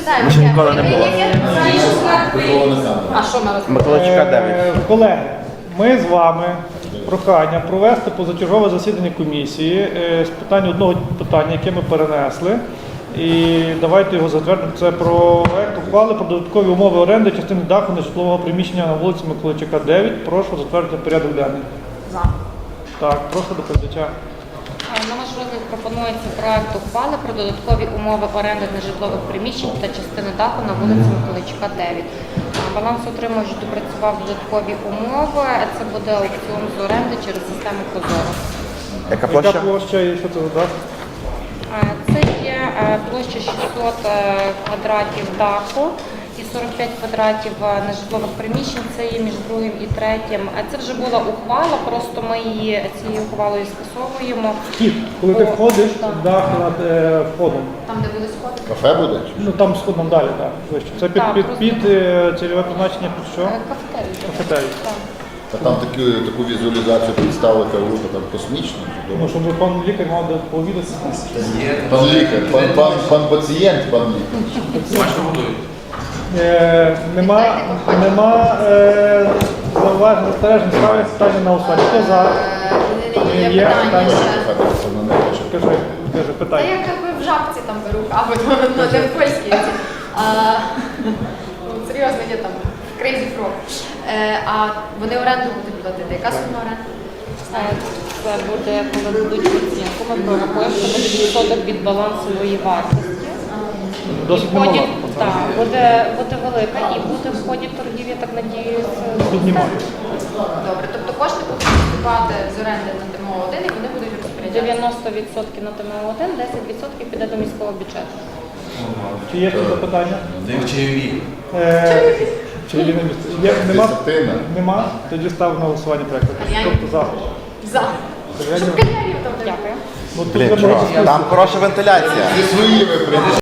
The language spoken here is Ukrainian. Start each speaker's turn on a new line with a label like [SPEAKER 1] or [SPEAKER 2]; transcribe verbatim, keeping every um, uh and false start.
[SPEAKER 1] Ми ще ніколи не було.
[SPEAKER 2] А що ми розповідаємо?
[SPEAKER 1] Миколайчука дев'ять.
[SPEAKER 3] Е, Колеги, ми з вами прохання провести позачергове засідання комісії е, з питань одного питання, яке ми перенесли. І давайте його затвердимо. Це про проект ухвали про додаткові умови оренди частини даху нежитлового приміщення на вулиці Миколайчука, дев'ять. Прошу затвердити порядок денний.
[SPEAKER 2] За.
[SPEAKER 3] Так, прошу доповідача.
[SPEAKER 4] На ваш розгляд пропонується проект ухвали про додаткові умови оренди нежитлових приміщень та частини даху на вулиці Миколайчука, дев'ять. Балансоутримувач допрацював додаткові умови. Це буде аукціон з оренди через систему Прозоро.
[SPEAKER 1] Яка
[SPEAKER 3] Яка
[SPEAKER 1] площа?
[SPEAKER 3] площа і що це за дах?
[SPEAKER 4] Це є площа шістсот квадратів даху і сорок п'ять квадратів нежитлових приміщень. Це є між другим і третім. Це вже була ухвала, просто ми її цією ухвалою скасовуємо.
[SPEAKER 3] Вхід. Коли ти
[SPEAKER 4] О,
[SPEAKER 3] входиш,
[SPEAKER 4] так.
[SPEAKER 3] дах над е, входом.
[SPEAKER 2] Там, де були сходи.
[SPEAKER 5] Кафе буде?
[SPEAKER 3] Ну там сходом далі, так. Вище. Це під,
[SPEAKER 4] Так,
[SPEAKER 3] під,
[SPEAKER 4] просто-
[SPEAKER 3] під е, цільове призначення під що?
[SPEAKER 4] Кафетерій.
[SPEAKER 3] Кафетерій.
[SPEAKER 4] Так.
[SPEAKER 5] А там таку, таку візуалізацію представили, кажу, там космічно.
[SPEAKER 3] Ну, щоб пан лікар мав де повідати.
[SPEAKER 5] Пан лікар, пан, пан, пан пацієнт, пан лікар.
[SPEAKER 3] Е, нема нема е, зауважень, застережень, ставлять питання на голосування. Хто за?
[SPEAKER 2] Є
[SPEAKER 3] Є
[SPEAKER 2] питання
[SPEAKER 3] питання.
[SPEAKER 2] ще.
[SPEAKER 3] Кажи, кажи,
[SPEAKER 2] Та
[SPEAKER 3] питання.
[SPEAKER 2] я якби в жабці там беру каву, ну не в польській. ці. А, ну, серйозно, є там Crazy Frog. Е, А вони оренду будуть платити. Яка сума оренди?
[SPEAKER 4] Це буде, коли будуть оцінку, ми прорахуємо, це буде відсоток від балансової вартості.
[SPEAKER 3] Досить
[SPEAKER 4] І в ході-
[SPEAKER 3] немало.
[SPEAKER 4] Так, буде, буде велика і буде в ході торгів, я так надіюсь.
[SPEAKER 3] Тут немає.
[SPEAKER 2] Добре, тобто кошти будуть поступати з оренди на ТМО один і вони будуть розпоряджатися.
[SPEAKER 4] дев'яносто відсотків на ТМО один, десять відсотків піде до міського бюджету.
[SPEAKER 3] Чи є ще запитання?
[SPEAKER 6] Див чайові.
[SPEAKER 3] Е, Чи є на місці? Є, нема?
[SPEAKER 5] Десятина.
[SPEAKER 3] Нема? Тоді ставимо на голосування проєкту. Тобто за.
[SPEAKER 2] За. Щоб кальянів там не було.
[SPEAKER 4] Дякую.
[SPEAKER 3] Ну, тут
[SPEAKER 1] Блін,
[SPEAKER 3] треба
[SPEAKER 1] чувак,
[SPEAKER 3] розписати.
[SPEAKER 1] там хороша вентиляція.
[SPEAKER 5] Зі своїми прийдеш.